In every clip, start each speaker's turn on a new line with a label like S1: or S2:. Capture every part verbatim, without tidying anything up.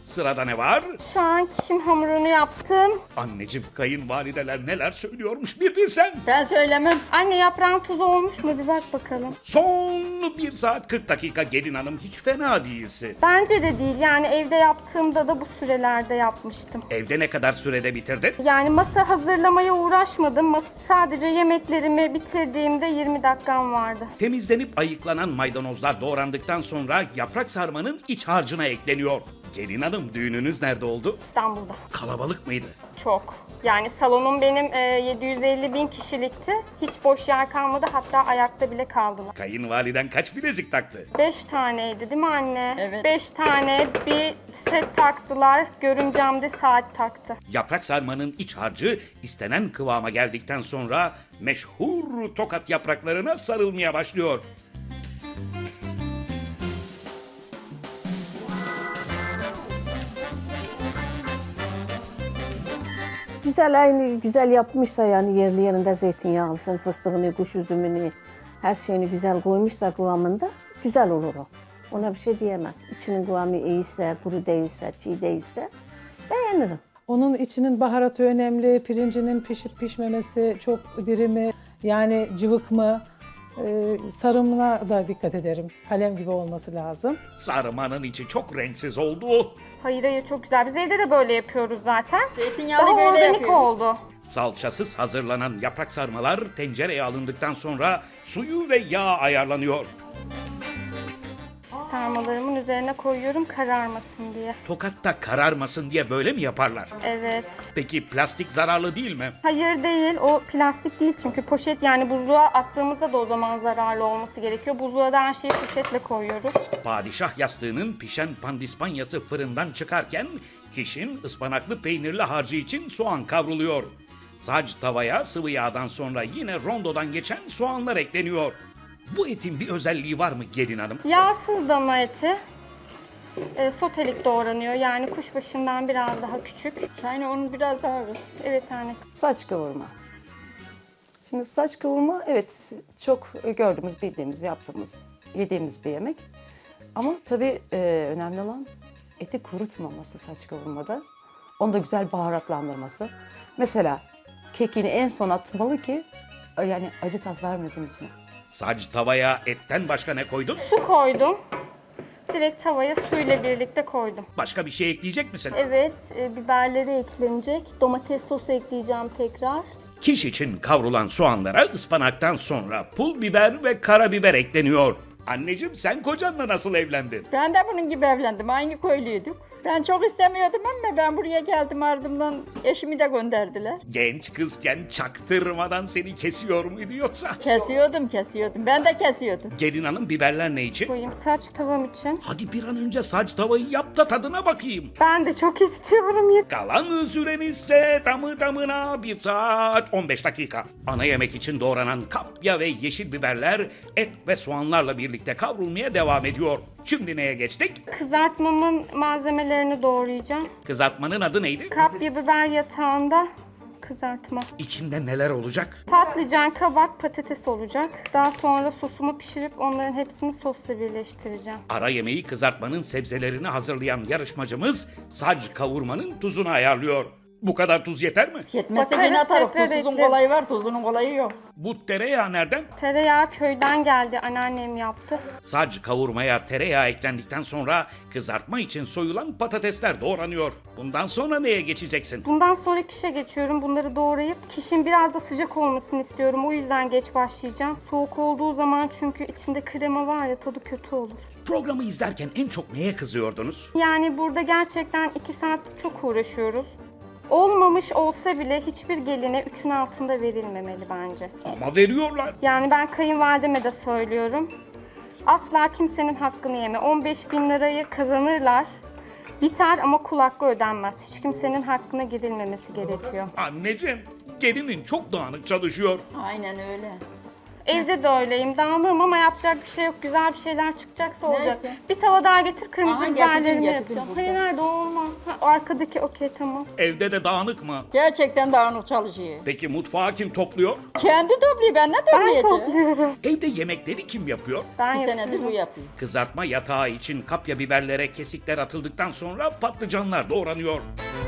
S1: Sırada ne var?
S2: Şu an kişim hamurunu yaptım.
S1: Anneciğim, kayınvalideler neler söylüyormuş bir bilsen.
S3: Ben söylemem.
S2: Anne yaprağın tuzu olmuş mu bir bak bakalım.
S1: Son bir saat kırk dakika gelin hanım, hiç fena değilsin.
S2: Bence de değil, yani evde yaptığımda da bu sürelerde yapmıştım.
S1: Evde ne kadar sürede bitirdin?
S2: Yani masa hazırlamaya uğraşmadım. Mas sadece yemeklerimi bitirdiğimde yirmi dakikam vardı.
S1: Temizlenip ayıklanan maydanozlar doğrandıktan sonra yaprak sarmanın iç harcına ekleniyor. Gelin hanım, düğününüz nerede oldu?
S2: İstanbul'da.
S1: Kalabalık mıydı?
S2: Çok. Yani salonum benim e, yedi yüz elli bin kişilikti. Hiç boş yer kalmadı, hatta ayakta bile kaldılar.
S1: Kayınvaliden kaç bilezik taktı?
S2: Beş taneydi değil mi anne?
S3: Evet.
S2: Beş tane bir set taktılar. Görümcem de saat taktı.
S1: Yaprak sarmanın iç harcı istenen kıvama geldikten sonra meşhur tokat yapraklarına sarılmaya başlıyor.
S4: Güzel, aynı güzel yapmışsa yani yerli yerinde zeytinyağlısını, fıstığını, kuş üzümünü, her şeyini güzel koymuşsa kıvamında güzel olur o. Ona bir şey diyemem. İçinin kıvamı iyiyse, kuru değilse, çiğ değilse beğenirim.
S5: Onun içinin baharatı önemli, pirincinin pişip pişmemesi, çok diri mi, yani cıvık mı, ee, sarımına da dikkat ederim. Kalem gibi olması lazım.
S1: Sarmanın içi çok renksiz oldu.
S2: Hayır hayır, çok güzel. Biz evde de böyle yapıyoruz zaten.
S3: Zeytinyağlı
S2: Daha
S3: böyle
S2: organik
S3: yapıyoruz.
S2: oldu.
S1: Salçasız hazırlanan yaprak sarmalar tencereye alındıktan sonra suyu ve yağ ayarlanıyor.
S2: Sarmalarımın üzerine koyuyorum kararmasın diye.
S1: Tokatta kararmasın diye böyle mi yaparlar?
S2: Evet.
S1: Peki plastik zararlı değil mi?
S2: Hayır değil, o plastik değil çünkü poşet, yani buzluğa attığımızda da o zaman zararlı olması gerekiyor. Buzluğa da her şeyi poşetle koyuyoruz.
S1: Padişah yastığının pişen pandispanyası fırından çıkarken kişinin ıspanaklı peynirli harcı için soğan kavruluyor. Sac tavaya sıvı yağdan sonra yine rondodan geçen soğanlar ekleniyor. Bu etin bir özelliği var mı gelin hanım?
S2: Yağsız dana eti. E, sotelik doğranıyor, yani kuşbaşından biraz daha küçük.
S3: Yani onu biraz daha ver.
S2: Evet anne.
S6: Saç kavurma. Şimdi saç kavurma evet çok gördüğümüz, bildiğimiz, yaptığımız, yediğimiz bir yemek. Ama tabii e, önemli olan eti kurutmaması saç kavurmada. Onu da güzel baharatlandırması. Mesela kekini en son atmalı ki yani acı tat vermesin içine.
S1: Sac tavaya etten başka ne koydun?
S2: Su koydum. Direkt tavaya suyla birlikte koydum.
S1: Başka bir şey ekleyecek misin?
S2: Evet, e, biberleri eklenecek. Domates sosu ekleyeceğim tekrar.
S1: Kiş için kavrulan soğanlara ıspanaktan sonra pul biber ve karabiber ekleniyor. Anneciğim, sen kocanla nasıl evlendin?
S3: Ben de bunun gibi evlendim. Aynı köylüydük. Ben çok istemiyordum ama ben buraya geldim, ardımdan eşimi de gönderdiler.
S1: Genç kızken çaktırmadan seni kesiyor muydu yoksa?
S3: Kesiyordum, kesiyordum. Ben de kesiyordum.
S1: Gelin hanım, biberler ne için?
S2: Koyayım saç tavam için.
S1: Hadi bir an önce saç tavayı yap da tadına bakayım.
S2: Ben de çok istiyorum.
S1: Kalan sürenizse tamı tamına bir saat on beş dakika. Ana yemek için doğranan kapya ve yeşil biberler et ve soğanlarla birlikte kavrulmaya devam ediyor. Şimdi neye geçtik?
S2: Kızartmamın malzemelerini doğrayacağım.
S1: Kızartmanın adı neydi?
S2: Kapya biber yatağında kızartma.
S1: İçinde neler olacak?
S2: Patlıcan, kabak, patates olacak. Daha sonra sosumu pişirip onların hepsini sosla birleştireceğim.
S1: Ara yemeği kızartmanın sebzelerini hazırlayan yarışmacımız sac kavurmanın tuzunu ayarlıyor. Bu kadar tuz yeter mi?
S3: Yetmezse
S2: Bakarız,
S3: yine atarım.
S2: tekrar
S3: Tuzsuzun
S2: ekleriz.
S3: kolayı var, tuzunun kolayı yok.
S1: Bu tereyağı nereden?
S2: Tereyağı köyden geldi. Anneannem yaptı.
S1: Sac kavurmaya tereyağı eklendikten sonra kızartma için soyulan patatesler doğranıyor. Bundan sonra neye geçeceksin?
S2: Bundan sonra kişe geçiyorum. Bunları doğrayıp kişinin biraz da sıcak olmasını istiyorum. O yüzden geç başlayacağım. Soğuk olduğu zaman çünkü içinde krema var ya, tadı kötü olur.
S1: Programı izlerken en çok neye kızıyordunuz?
S2: Yani burada gerçekten iki saat çok uğraşıyoruz. Olmamış olsa bile hiçbir geline üçün altında verilmemeli bence.
S1: Ama veriyorlar.
S2: Yani ben kayınvalideme de söylüyorum. Asla kimsenin hakkını yeme. on beş bin lirayı kazanırlar. Biter ama kul hakkı ödenmez. Hiç kimsenin hakkına girilmemesi gerekiyor.
S1: Anneciğim, gelinin çok dağınık çalışıyor.
S3: Aynen öyle.
S2: Evde de öyleyim. Dağınığım ama yapacak bir şey yok. Güzel bir şeyler çıkacaksa olacak.
S3: Neyse.
S2: Bir tava daha getir. Kırmızı
S3: Aha,
S2: biberlerimi
S3: getirdim, getirdim
S2: yapacağım.
S3: burada.
S2: Hayır nerede o olmaz. Ha, arkadaki okey tamam.
S1: Evde de dağınık mı?
S3: Gerçekten dağınık çalışıyor.
S1: Peki mutfağı kim topluyor?
S3: Kendi topluyor, ben ne
S2: Ben
S3: toplayacağım?
S2: topluyorum.
S1: Evde yemekleri kim yapıyor?
S2: Ben
S3: Bir senedir bu
S2: yapıyorum.
S3: yapıyor.
S1: Kızartma yatağı için kapya biberlere kesikler atıldıktan sonra patlıcanlar doğranıyor.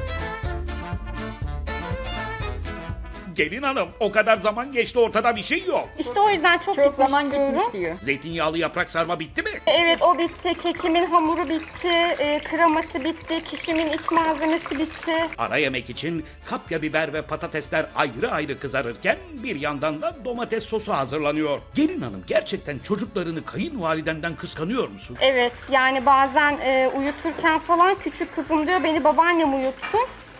S1: Gelin hanım, o kadar zaman geçti, ortada bir şey yok.
S2: İşte o yüzden çok,
S3: Çok
S2: gitmiş
S3: zaman
S2: diyorum.
S3: gitmiş diyor.
S1: Zeytinyağlı yaprak sarma bitti mi?
S2: Evet o bitti. Kekimin hamuru bitti. E, kreması bitti. Kişimin iç malzemesi bitti.
S1: Ara yemek için kapya biber ve patatesler ayrı ayrı kızarırken bir yandan da domates sosu hazırlanıyor. Gelin hanım, gerçekten çocuklarını kayınvalidenden kıskanıyor musun?
S2: Evet yani bazen e, uyuturken falan küçük kızım diyor beni babaannem uyutsun.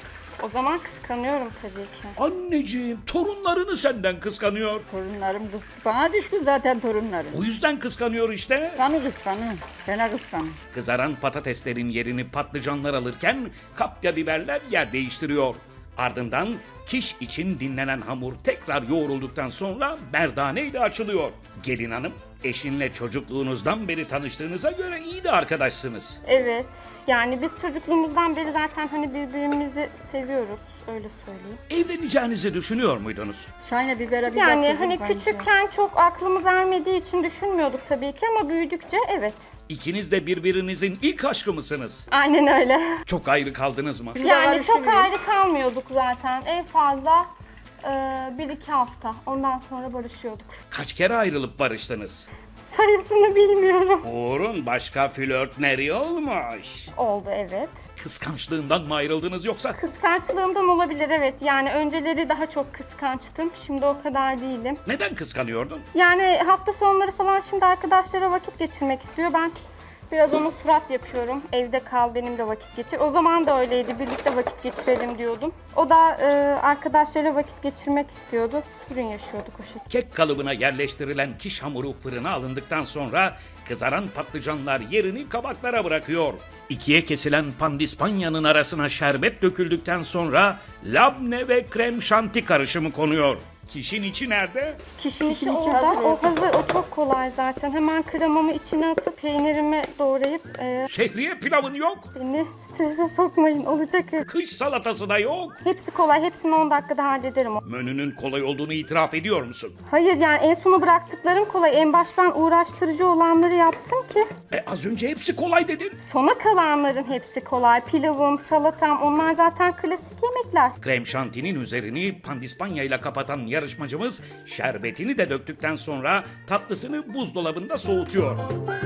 S2: O zaman kıskanıyorum tabii ki.
S1: Anneciğim, torunlarını senden kıskanıyor.
S3: Torunlarım kıs bana düşkün zaten torunlarım.
S1: O yüzden kıskanıyor işte.
S3: Kanı kıskanıyor. Fena kıskanıyor.
S1: Kızaran patateslerin yerini patlıcanlar alırken kapya biberler yer değiştiriyor. Ardından kiş için dinlenen hamur tekrar yoğrulduktan sonra merdane ile açılıyor. Gelin hanım, eşinle çocukluğunuzdan beri tanıştığınıza göre iyi de arkadaşsınız.
S2: Evet yani biz çocukluğumuzdan beri zaten hani birbirimizi seviyoruz öyle söyleyeyim.
S1: Evleneceğinizi düşünüyor muydunuz?
S3: Şahane bibere bir
S2: Yani
S3: bak kızım,
S2: hani
S3: kanki.
S2: küçükken çok aklımız ermediği için düşünmüyorduk tabii ki ama büyüdükçe evet.
S1: İkiniz de birbirinizin ilk aşkı mısınız?
S2: Aynen öyle.
S1: Çok ayrı kaldınız mı?
S3: Biz de
S2: Yani
S3: barıştık
S2: çok
S3: ya.
S2: ayrı kalmıyorduk zaten. En fazla e, bir iki hafta. Ondan sonra barışıyorduk.
S1: Kaç kere ayrılıp barıştınız?
S2: Sayısını bilmiyorum.
S1: Uğur'un başka flörtleri olmuş.
S2: Oldu evet.
S1: Kıskançlığından mı ayrıldınız yoksa?
S2: Kıskançlığımdan olabilir evet. Yani önceleri daha çok kıskançtım. Şimdi o kadar değilim.
S1: Neden kıskanıyordun?
S2: Yani hafta sonları falan şimdi arkadaşlara vakit geçirmek istiyor. Ben biraz ona surat yapıyorum. Evde kal benimle vakit geçir. O zaman da öyleydi. Birlikte vakit geçirelim diyordum. O da e, arkadaşlarıyla vakit geçirmek istiyordu. Sorun yaşıyorduk o şekilde.
S1: Kek kalıbına yerleştirilen kiş hamuru fırına alındıktan sonra kızaran patlıcanlar yerini kabaklara bırakıyor. İkiye kesilen pandispanyanın arasına şerbet döküldükten sonra labne ve krem şanti karışımı konuyor. Kişin içi nerede?
S2: Kişinin içi
S3: Kişinin içi
S2: orada.
S3: hazır,
S2: O
S3: evet.
S2: hazır. O çok kolay zaten. Hemen kremamı içine atıp peynirimi doğrayıp e,
S1: Şehriye pilavın yok.
S2: beni strese sokmayın. Olacak öyle.
S1: Kış salatası da yok.
S2: Hepsi kolay. Hepsini on dakikada hallederim.
S1: Menünün kolay olduğunu itiraf ediyor musun?
S2: Hayır yani en sona bıraktıklarım kolay. En baş ben uğraştırıcı olanları yaptım ki.
S1: E az önce hepsi kolay dedin.
S2: Sona kalanların hepsi kolay. Pilavım, salatam onlar zaten klasik yemekler.
S1: Krem şantinin üzerini pandispanya ile kapatan yarışmacımız şerbetini de döktükten sonra tatlısını buzdolabında soğutuyor.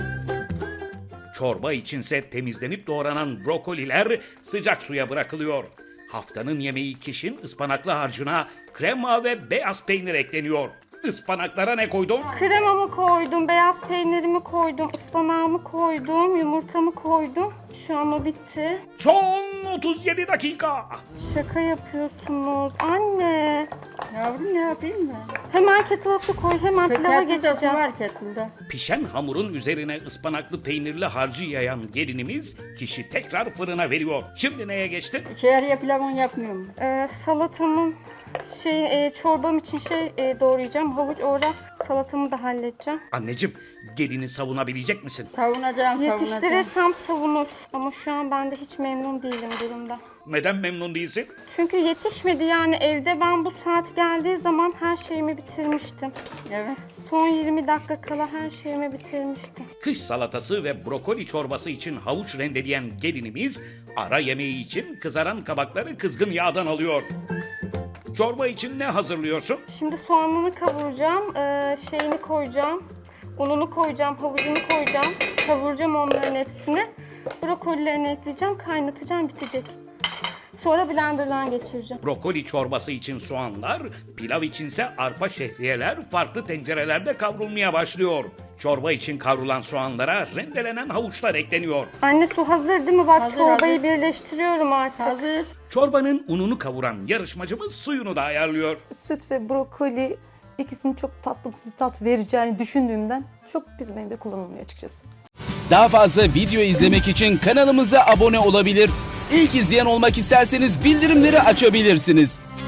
S1: Çorba içinse temizlenip doğranan brokoliler sıcak suya bırakılıyor. Haftanın yemeği kişinin ıspanaklı harcına krema ve beyaz peynir ekleniyor. Ispanaklara ne koydun?
S2: Kremamı koydum, beyaz peynirimi koydum, ıspanağımı koydum, yumurtamı koydum. Şu an o bitti.
S1: Son otuz yedi dakika.
S2: Şaka yapıyorsunuz. Anne.
S3: Yavrum ne yapayım ben?
S2: Hemen kettle'a su koy, hemen pilava
S3: Kettle'da su
S2: geçeceğim.
S3: var kettle'da.
S1: Pişen hamurun üzerine ıspanaklı peynirli harcı yayan gelinimiz kişi tekrar fırına veriyor. Şimdi neye geçtin?
S3: Şehriye pilavını yapmıyorum.
S2: Ee, salatamın şey e, çorbam için şey e, doğrayacağım. Havuç orada salatamı da halledeceğim.
S1: Anneciğim, gelini savunabilecek misin?
S3: Savunacağım, savunacağım.
S2: Yetiştirirsem savunur. Ama şu an ben de hiç memnun değilim durumda.
S1: Neden memnun değilsin?
S2: Çünkü yetişmedi yani evde ben bu saat geldiği zaman her şeyimi bitirmiştim.
S3: Evet.
S2: Son yirmi dakika kala her şeyimi bitirmiştim.
S1: Kış salatası ve brokoli çorbası için havuç rendeleyen gelinimiz ara yemeği için kızaran kabakları kızgın yağdan alıyor. Çorba için ne hazırlıyorsun?
S2: Şimdi soğanını kavuracağım, ee, şeyini koyacağım, ununu koyacağım, havucunu koyacağım, kavuracağım onların hepsini. Brokolilerini ekleyeceğim, kaynatacağım, bitecek. Sonra blenderdan geçireceğim.
S1: Brokoli çorbası için soğanlar, pilav içinse arpa şehriyeler farklı tencerelerde kavrulmaya başlıyor. Çorba için kavrulan soğanlara rendelenen havuçlar ekleniyor.
S2: Anne su hazır değil mi? Bak
S3: Hazır,
S2: çorbayı
S3: hazır.
S2: birleştiriyorum artık.
S3: Hazır.
S1: Çorbanın ununu kavuran yarışmacımız suyunu da ayarlıyor.
S6: Süt ve brokoli ikisinin çok tatlı bir tat vereceğini düşündüğümden çok bizim evde kullanılmıyor açıkçası.
S7: Daha fazla video izlemek için kanalımıza abone olabilir. İlk izleyen olmak isterseniz bildirimleri açabilirsiniz.